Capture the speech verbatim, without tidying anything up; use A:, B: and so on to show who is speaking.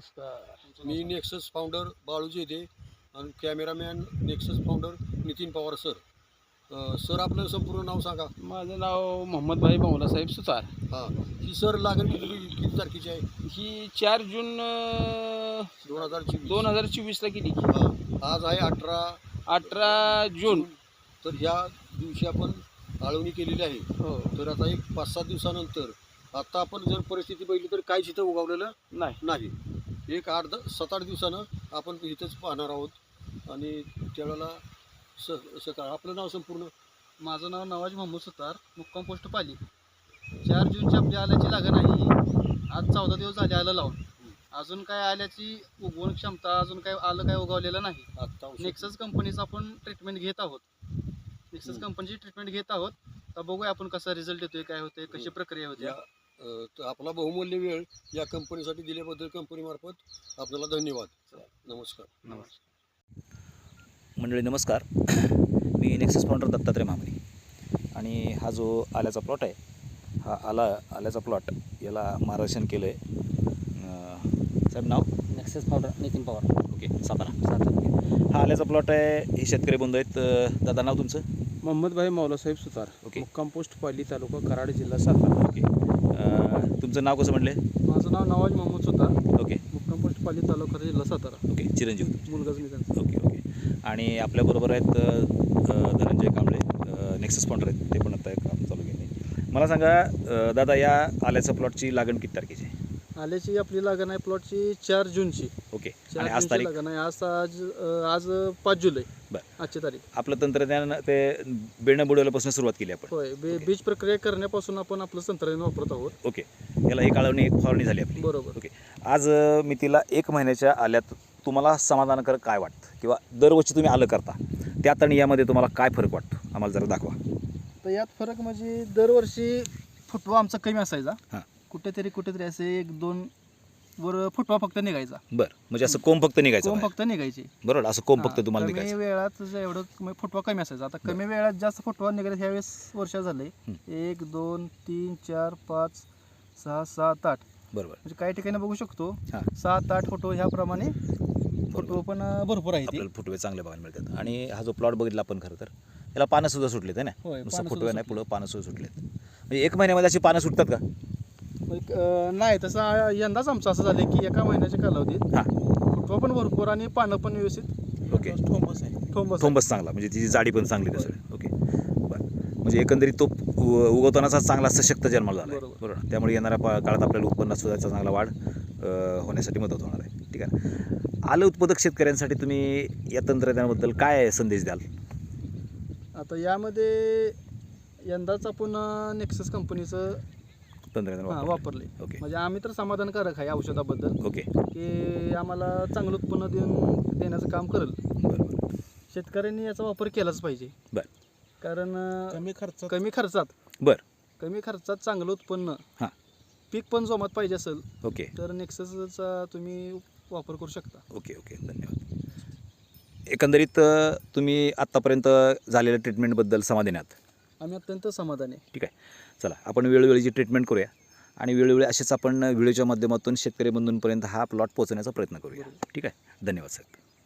A: नमस्कार.
B: मी Nexus founder Balu Jedhe आणि cameraman Nexus founder Nitin Pawar sir. अ, सर आपलं संपूर्ण नाव सांगा.
A: माझं नाव मोहम्मदभाई बावलासाहेब सुतार.
B: हां, ही सर लागण किती किती तारखेची आहे?
A: ही चार जून अं,
B: दोन हजार चोवीस.
A: दोन हजार चोवीसला केली.
B: हां, आज आहे अठरा
A: अठरा जून.
B: तर ह्या दिवशी आपण आळवणी केलेली आहे.
A: हो.
B: तर आता एक पाच सात दिवसानंतर आता आपण जर परिस्थिती बघितली तर काहीच इथं उगवलेलं
A: नाही.
B: नाही. एक आठ द सात आठ दिवसानं आपण इथंच पाहणार आहोत आणि त्यावेळेला स सकाळ आपलं नाव संपूर्ण.
C: माझं नाव नवाज मोहम्मद सुतार, मुक्काम पोस्ट पाली. चार जूनची आपली आल्याची लागण आहे. आज चौदा दिवस झाले आलं लावून. अजून काय आल्याची उगवण क्षमता अजून काय आलं काय उगवलेलं नाही.
B: आता औषध-
C: नेक्सस कंपनीचं आपण ट्रीटमेंट घेत आहोत. नेक्सस
B: हम्म.
C: कंपनीची ट्रीटमेंट घेत आहोत. तर बघूया आपण कसा रिझल्ट येतोय, काय होतंय, कशी प्रक्रिया होते.
B: या अ, तर आपला बहुमूल्य वेळ या कंपनीसाठी दिल्याबद्दल कंपनीमार्फत आपल्याला धन्यवाद. नमस्कार.
C: नमस्कार.
D: मंडळी नमस्कार. मी नेक्सस फाउंडर दत्तात्रय मामणी आणि हा जो आल्याचा प्लॉट आहे, हा आला आल्याचा प्लॉट याला मार्गदर्शन केलं आहे साहेब. नाव
E: Nexus founder Nitin Pawar.
D: Okay, Satara Satara हा आल्याचा प्लॉट आहे. हे शेतकरी बंधू आहेत. अ, दादा नाव तुमचं?
A: मोहम्मदभाई बावलासाहेब सुतार.
D: ओके.
A: मुक्काम पोस्ट पाली, तालुका कराड, जिल्हा सातारा.
D: ओके. अ, तुमचं नाव कसं म्हणले?
C: माझं नाव नवाज मोहम्मद सुतार,
D: ओके
C: मुक्काम पोस्ट पाली, तालुका जिल्हा सातारा.
D: ओके. चिरंजीव
C: मुलगाच मी त्यांचा.
D: Okay okay. आणि आपल्याबरोबर आहेत अ, अ, धनंजय कांबळे, अ, नेक्सस फाउंडर आहेत. ते पण आता काम चालू केले. मला सांगा अ, दादा, या आल्याच्या प्लॉटची लागण किती तारखेची आहे?
C: आल्याची आपली लागण आहे प्लॉटची चार जूनची.
D: ओके.
C: चार
D: आणि आज
C: जूनची
D: तारीख?
C: लागण आहे. आज आज अं, आज पाच जुलै.
D: बरं.
C: आजची तारीख.
D: आपलं तंत्रज्ञान ते बेणं बुडवल्यापासून सुरुवात केली आपण.
C: होय. बे
D: ओके.
C: बीज प्रक्रिया करण्यापासून आपण आपलं तंत्रज्ञान वापरत आहोत.
D: ओके. याला एक आळवणी एक फवारणी झाली आपली.
C: बरोबर.
D: ओके. आज अ, मी तिला एक महिन्याच्या आल्यात तुम्हाला समाधानकारक काय वाटतं, किंवा दरवर्षी तुम्ही आलं करता त्यात आणि यामध्ये तुम्हाला काय फरक वाटतो, आम्हाला जरा दाखवा.
C: तर यात फरक म्हणजे दरवर्षी फुटवा आमचा कमी असायचा.
D: हां.
C: कुठेतरी कुठेतरी असे एक दोन वर फुटवा फक्त निघायचा.
D: बरं, म्हणजे असं कोंब फक्त निघायचं
C: कोंब
D: बाहेर.
C: फक्त निघायचे.
D: बरोबर, असं कोंब फक्त
C: हां,
D: तुम्हाला
C: कमी
D: निघायचं.
C: वेळात जे एवढं कमी फुटवा कमी असायचा. आता कमी वेळात जास्त फुटवा निघायचा ह्यावेळेस वर्ष झाले.
D: हं.
C: एक दोन तीन चार पाच सहा सात आठ
D: बरोबर.
C: म्हणजे काही ठिकाणी बघू शकतो
D: हां.
C: सात आठ फुटवा ह्याप्रमाणे फुटवा पण अं, भरपूर आहे ते.
D: आपल्याला फुटवे चांगले बघायला मिळतात. आणि हा जो प्लॉट बघितला आपण, खरं तर याला पानं सुद्धा सुटलेत आहे ना.
C: होय,
D: नुसतं
C: पानं
D: फुटवे
C: सुद्धा
D: नाही, पुढं पानं सुद्धा सुटलेत. म्हणजे एक महिन्यामध्ये अशी पानं सुटतात का?
C: एक, अं, नाही तसं यंदाच आमचं असं झालं की एका महिन्याच्या कालावधीत
D: हां.
C: फुटवा पण भरपूर आणि पानं पण व्यवस्थित
D: ओके.
C: ठोंबस आहे. ठोंबस आहे.
D: थोंबस चांगला, म्हणजे तिची जाडी पण चांगली दिसेल. ओके. बरं, म्हणजे एकंदरीत तो उ- उगवतानाचा चांगला सशक्त जन्माला झाला आहे.
C: बरोबर.
D: बरोबर. त्यामुळे येणाऱ्या पा- काळात आपल्याला उत्पन्नात सुद्धा याचा चांगला वाढ अ, होण्यासाठी मदत होणार आहे. ठीक आहे. आलं उत्पादक शेतकऱ्यांसाठी तुम्ही या तंत्रज्ञानाबद्दल काय संदेश द्याल?
C: आता यामध्ये यंदाच आपण नेक्सस कंपनीचं
D: तंत्रज्ञान
C: हां,
D: वापरलं.
C: वापरले.
D: ओके
C: म्हणजे आम्ही तर समाधानकारक आहे औषधाबद्दल,
D: ओके.
C: की आम्हाला चांगलं उत्पन्न देऊन देण्याचं काम करेल.
D: बरं बरं
C: शेतकऱ्यांनी याचा वापर केलाच पाहिजे.
D: बरं.
C: कारण अं,
A: कमी खर्चात
C: कमी खर्चात
D: बरं.
C: कमी खर्चात चांगलं उत्पन्न,
D: हां.
C: पीक पण जोमात पाहिजे असेल
D: ओके
C: तर नेक्ससचा तुम्ही वापर करू शकता.
D: Okay okay. धन्यवाद. एकंदरीत अ, तुम्ही आत्तापर्यंत झालेल्या ट्रीटमेंटबद्दल समाधानी आहात?
C: आम्ही अत्यंत समाधानी आहे.
D: ठीक आहे. चला, आपण वेळोवेळीची ट्रीटमेंट करूया आणि वेळोवेळी असेच आपण व्हिडिओच्या माध्यमातून शेतकरी बंधूंपर्यंत हा प्लॉट पोहोचण्याचा प्रयत्न करूया. ठीक आहे. धन्यवाद साहेब.